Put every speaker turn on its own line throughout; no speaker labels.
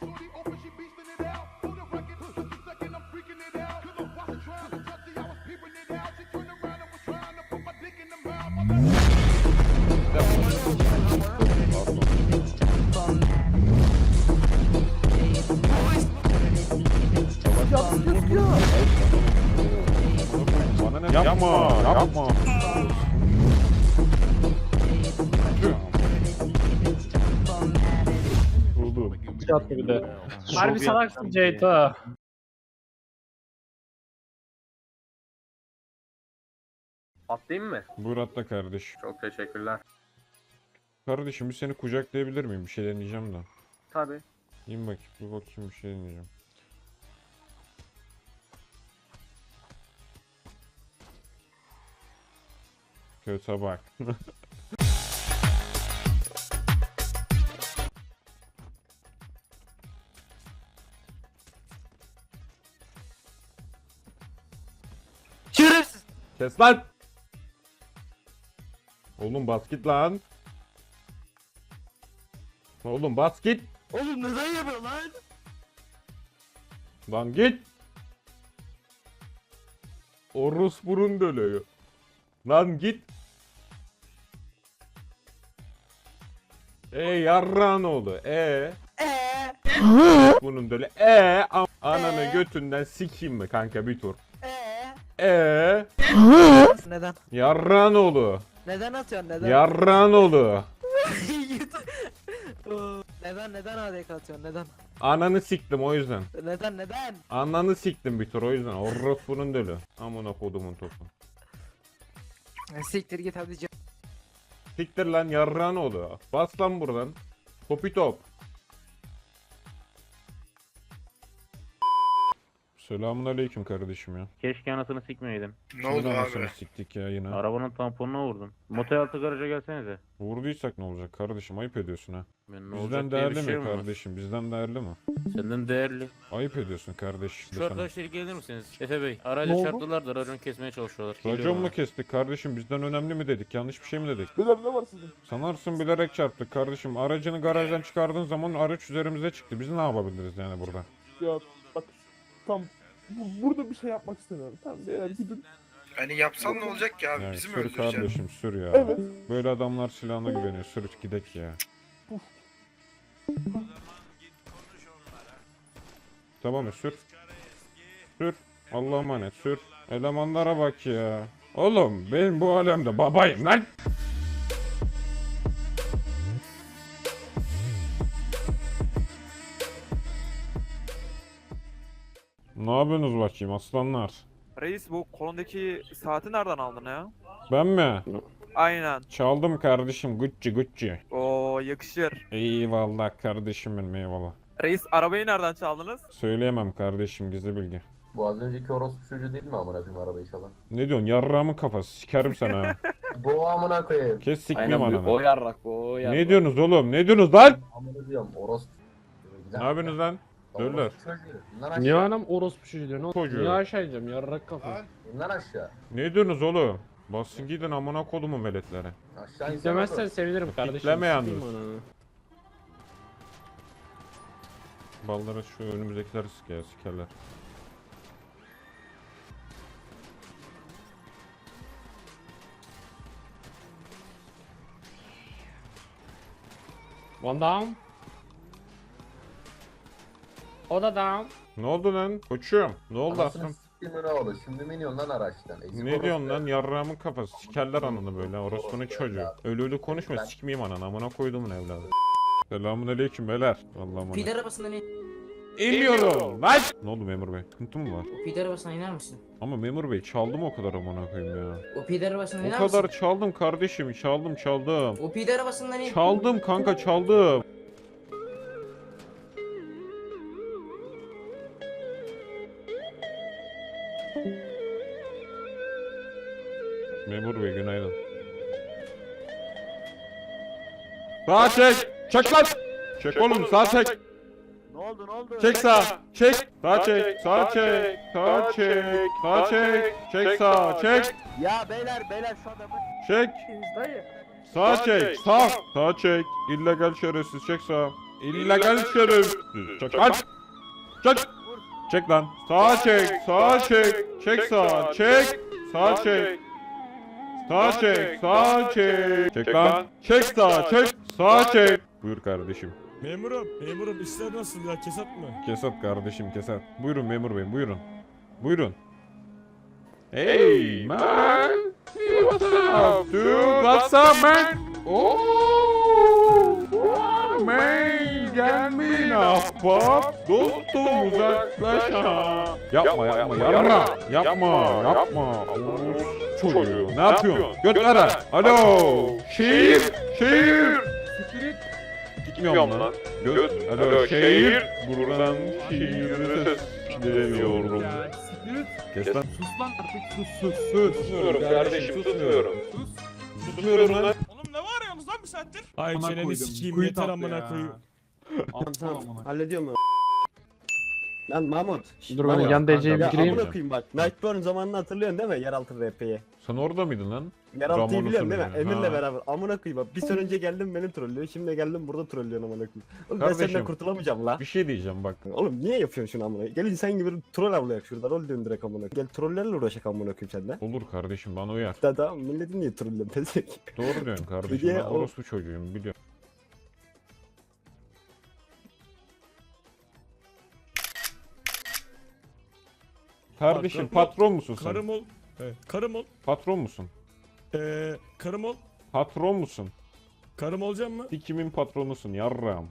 Bana ne? Yapma. Oldu.
Çat gibi de. Harbi salaksın Ceyto.
Atlayayım mı?
Buyur atla kardeş.
Çok teşekkürler.
Kardeşim bir seni kucaklayabilir miyim? Bir şey deneyeceğim de.
Tabii.
İn bakayım, bir bakayım, bir şey deneyeceğim. Kötü bak.
Şerefsiz.
Kes lan! Oğlum bas git lan. Oğlum bas git.
Oğlum neden yapıyorsun lan?
Lan git. Orospu'nun dölüyor. Lan git. Yarran oğlu. Bunun dölü. Ananı götünden sikeyim mi kanka bir tur.
Neden?
Yarran oğlu.
Neden atıyorsun neden?
Yarran oğlu.
neden ADK atıyorsun neden?
Ananı siktim o yüzden.
Neden?
Ananı siktim bir tur o yüzden. Orospu'nun dölü. Amına kodumun topu.
Siktir git hadi.
Siktir lan yarran oğlu. Bas lan buradan. Topi top. Selamun aleyküm kardeşim ya.
Keşke anasını sikmeyeydim.
Ne oldu abi?
Anasını siktik ya yine.
Arabanın tamponuna vurdum. Motel altı garaja gelsenize.
Vurduysak ne olacak kardeşim, ayıp ediyorsun ha.
Ben ne
Bizden
olacak diye bir
değerli
şey
mi
mi var?
kardeşim, bizden değerli mi?
Senden değerli.
Ayıp ediyorsun kardeş.
Şu arkadaşlar gelir misiniz? Efe Bey. Aracı çarptılar da racon kesmeye çalışıyorlar.
Racon
Geliyorum
mu
abi.
kestik kardeşim, bizden önemli mi dedik, yanlış bir şey mi dedik?
Beyler ne var sizin?
Sanarsın bilerek çarptık kardeşim, aracını garajdan çıkardığın zaman araç üzerimize çıktı, biz ne yapabiliriz yani burada?
Ya bak tam burada bir şey yapmak istemiyorum. Tamam beyler gidin.
Hani yapsan ne olacak ki abi?
Yani
Bizi mi
sür
öldüreceksin?
kardeşim sür ya.
Evet.
Böyle adamlar silahına güveniyor, sür gidek ya. Tamam mı sür. Sür. Allah'a emanet sür. Elemanlara bak ya. Oğlum ben bu alemde babayım lan. Ne yapıyorsunuz bakayım aslanlar?
Reis bu kolundaki saati nereden aldın ya?
Ben mi?
Aynen.
Çaldım kardeşim, Gucci.
Oo yakışır.
Eyvallah kardeşim benim, eyvallah.
Reis arabayı nereden çaldınız?
Söyleyemem kardeşim, gizli bilgi.
Bu az önceki orospu çocuğu değil mi amına koyayım arabayı çalan?
Ne diyorsun, yarrağımın kafası, sikerim sana ha.
Bu amına koyayım.
Kes sikmeyeyim ananı.
O yarrak o yarrak.
Ne diyorsunuz oğlum, ne diyorsunuz lan?
Amına diyorum orospu.
Ne yapıyorsunuz lan? Döller.
Orospu çocuğu. Bundan aşağı.
Niye anam orospu çocuğu diyor?
Çocuğu.
Niye aşağı ineceğim yarrak kafa.
Bundan aşağı.
Ne diyorsunuz oğlum? Basın gidin amına kodumun veletleri.
Aşağı insan
Demezsen sevinirim kardeşim.
Kitleme yalnız.
Sikeyim ananı.
Ballara şu önümüzdekileri sikerler.
One down. O da down.
Ne oldu lan? Koçum. Ne oldu
Anasını
aslım?
siktiğimi ne oldu? Şimdi mi iniyorsun lan araçtan? Ezik
Ne
orospu
diyorsun lan?
ya.
Yarrağımın kafası. Sikerler ananı böyle. Orospunun çocuğu. Ölü konuşma, sikmeyeyim ananı. Amına koyduğumun evladı. Selamun aleyküm beyler. Allah'ım
Pide arabasından in.
İniyorum lan! Ne oldu memur bey? Sıkıntı mı var?
O pide arabasına iner misin?
Ama memur bey çaldım o kadar amına koyayım ya.
O pide arabasından
O
iner
kadar
misin?
çaldım kardeşim. Çaldım.
O pide arabasından in.
Çaldım kanka, çaldım. Memur bey günaydın. Sağa çek! Çek lan! Çek oğlum, sağa çek!
Ne oldu?
Çek sağa! Çek! Sağa çek! Sağa çek! Sağa çek! Sağa çek! Çek sağa! Çek!
Ya beyler şu adamı
Çek!
dayı.
Sağa çek! Sağ! Sağa çek! İllegal şerefsiz, çek sağa! illegal şerefsiz. Çek lan. Çek. Çek lan. Sağa çek. Sağa çek. Çek sağa. Çek. Sağa çek. Sağa çek. Sağa çek. Çek lan. Çek sağa. Çek. Sağa çek. Buyur kardeşim.
Memurum işler nasıl ya, kesat mı?
Kesat kardeşim kesat. Buyurun memur beyim buyurun. Buyurun. Hey man. What's up dude? What's up man? Oh man. Gelmeyin ahbap. Dostum uzaklaş ha. Yapma yapma yapma. Yapma yapma. Çocuğu ne yapıyorsun? Göt ara. Alo. Şehir. Şehir. Gitmiyorum lan. Göt. Alo şehir. Buradan şehirde ses geliyorum. Kes lan.
Sus lan artık sus.
Susmuyorum kardeşim susmuyorum. Susmuyorum lan.
Oğlum ne bağırıyorsunuz lan bir saattir? Ay
Amına
çeneni
koydum,
sikeyim
kuyu
yeter
tatlı
amına
ya.
koyayım.
Tamam.
Hallediyorum ben. Lan Mahmut.
Dur ben yan DC'yi
Ya
bitireyim.
amına koyayım bak. Nightborn zamanını hatırlıyorsun değil mi? Yeraltı RP'yi.
Sen orada mıydın lan?
Yeraltı'yı
Zamanı
biliyorsun değil mi?
hatırlıyorum.
Emir'le
Ha.
beraber. Amına koyayım bak. Bir sene önce geldim beni trollüyor. Şimdi geldim burada trollüyorsun amına koyayım. Oğlum ben
Kardeşim.
senden kurtulamayacağım la.
Bir şey diyeceğim bak.
Oğlum niye yapıyorsun şunu amına? Gel insan gibi troll avlayak şurada. Rol döndürek amına. Gel trollerle uğraşak amına koyayım senden.
Olur kardeşim bana uyar.
Tamam milletin niye trollüyorsun tezek?
Doğru diyorsun kardeşim.
Diye
Ben
o-
orospu çocuğuyum biliyorum. Kardeşim
Bak,
patron musun sen?
Karım ol. Evet, karım ol.
Patron musun?
Karım ol.
Patron musun?
Karım olacağım mı?
Kimin patronusun yarram?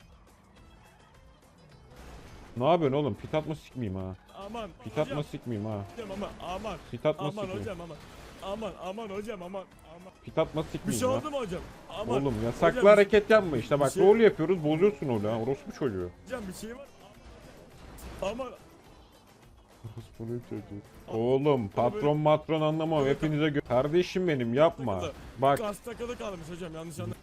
Ne yapıyorsun oğlum? Pit atma sikmeyeyim ha.
Aman.
Pit atma sikmeyeyim ha.
Hocam ama aman.
Pit atma
Aman
sikmeyeyim.
hocam aman. Aman hocam aman.
Pit atma
Bir şey
sikmeyeyim ha.
oldu mu hocam? Aman.
Oğlum yasaklı
Hocam,
hareket yapma işte bak
şey-
rol yapıyoruz bozuyorsun öyle ha orospu çocuğu.
Hocam bir şey var. Aman.
Orospu çocuğu. Oğlum patron matron anlamam hepinize kardeşim benim yapma. Bak
Kas takılı kalmış hocam yanlış anladım.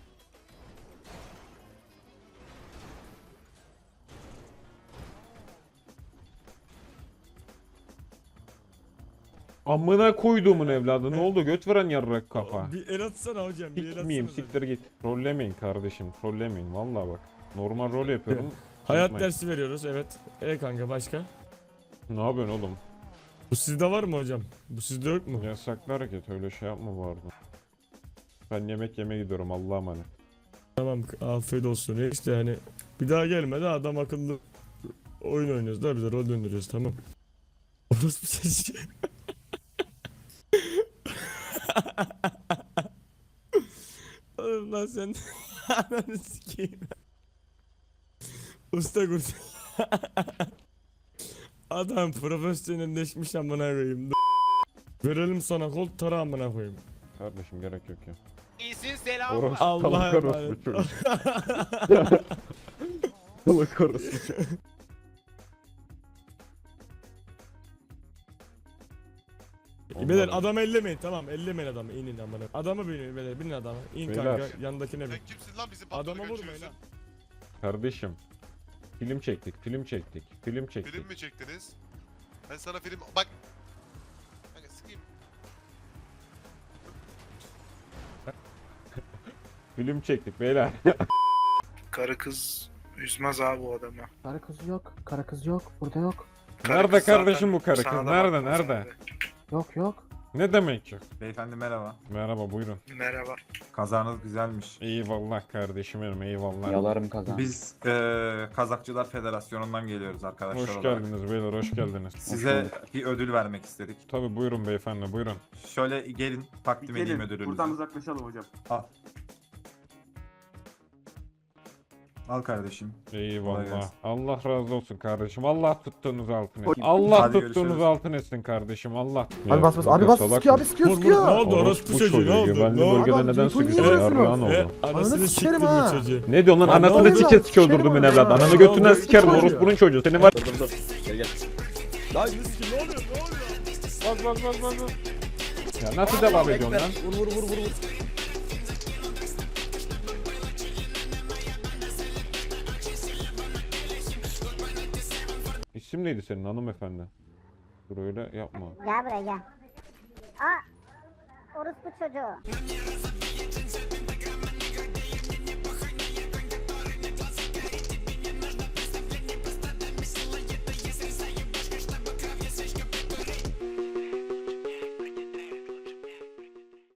amına koyduğumun evladı ne oldu göt veren yarrak kafa.
Bir el atsana hocam. Bir el
Sikmeyeyim
atsana.
siktir git. Trollemeyin kardeşim trollemeyin vallahi bak. Normal rol yapıyorum.
Hayat
Yapmayın.
dersi veriyoruz evet. Kanka başka?
Ne yapıyorsun oğlum?
Bu sizde var mı hocam? Bu sizde yok mu?
Yasaklı hareket öyle şey yapma bu arada. Ben yemek yemeye gidiyorum Allah'a emanet.
Tamam afiyet olsun. İşte hani bir daha gelme de adam akıllı oyun oynuyoruz da bize rol döndürüyoruz tamam. Orası bir şey. Oğlum lan sen ananı sikeyim. Usta kurt. Adam profesyonelleşmiş amına koyayım. Verelim sana kol tara amına koyayım.
Kardeşim gerek yok ya.
İyisin selam.
Orospu
Allah'a
salak
emanet.
orospu çocuğu.
Salak orası.
Beyler adamı ellemeyin tamam ellemeyin adamı inin amına. Adamı binin beyler binin adamı. İn
Beyler.
kanka yandakine bin.
Sen kimsin lan bizim
Adama vurmayın ha.
Kardeşim. Film çektik film çektik film çektik.
Film mi çektiniz? Ben sana film... Bak. Kanka sıkayım.
Film çektik beyler.
Karı kız üzmez abi o adamı.
Kara kız yok. Kara kız yok. Burada yok.
Karı
Nerede
kız zaten
kardeşim bu karı kız?
sana da
Nerede,
bakmaz
nerede?
abi.
Yok.
Ne demek yok?
Beyefendi merhaba.
Merhaba buyurun.
Merhaba.
Kazanız güzelmiş.
Eyvallah kardeşim benim eyvallah.
Yalarım kazan.
Biz Kazakçılar Federasyonu'ndan geliyoruz arkadaşlar
Hoş
olarak.
geldiniz beyler hoş geldiniz.
Size bir ödül vermek istedik.
Tabi buyurun beyefendi buyurun.
Şöyle gelin takdim edeyim ödülünüzü.
uzaklaşalım hocam.
Al kardeşim. Kolay
Eyvallah.
gelsin.
Allah razı olsun kardeşim. Allah tuttuğunuz altın etsin. Allah
Hadi
tuttuğunuz
görüşürüz.
altın etsin kardeşim. Allah.
Abi bas abi bas sıkıyor abi sıkıyor
Vur vur ne
sıkıyor.
oldu orospu çocuğu ne oldu?
Güvenli
Ne oldu?
bölgede
Adam,
neden
Ceyhun
sıkıştın?
niye
Yarrağın
E,
oldu.
anasını
Ananı
siktim
sikerim
bu
ha.
çocuğu.
Ne diyorsun lan?
Lan ne
Anasını
oldu?
siket sikiyor
Sikerim
öldürdüm
onu
evladı.
ya.
Ananı
Ne
götünden
oldu?
sikerim.
Sikerim
Orospunun çocuğu. Seni var.
Dur. Gel gel.
Lan Yusuf ne oluyor ne oluyor?
Ya nasıl devam ediyorsun lan?
Vur.
İsim neydi senin hanımefendi? Dur öyle yapma.
Gel buraya gel. Aa! Orospu çocuğu.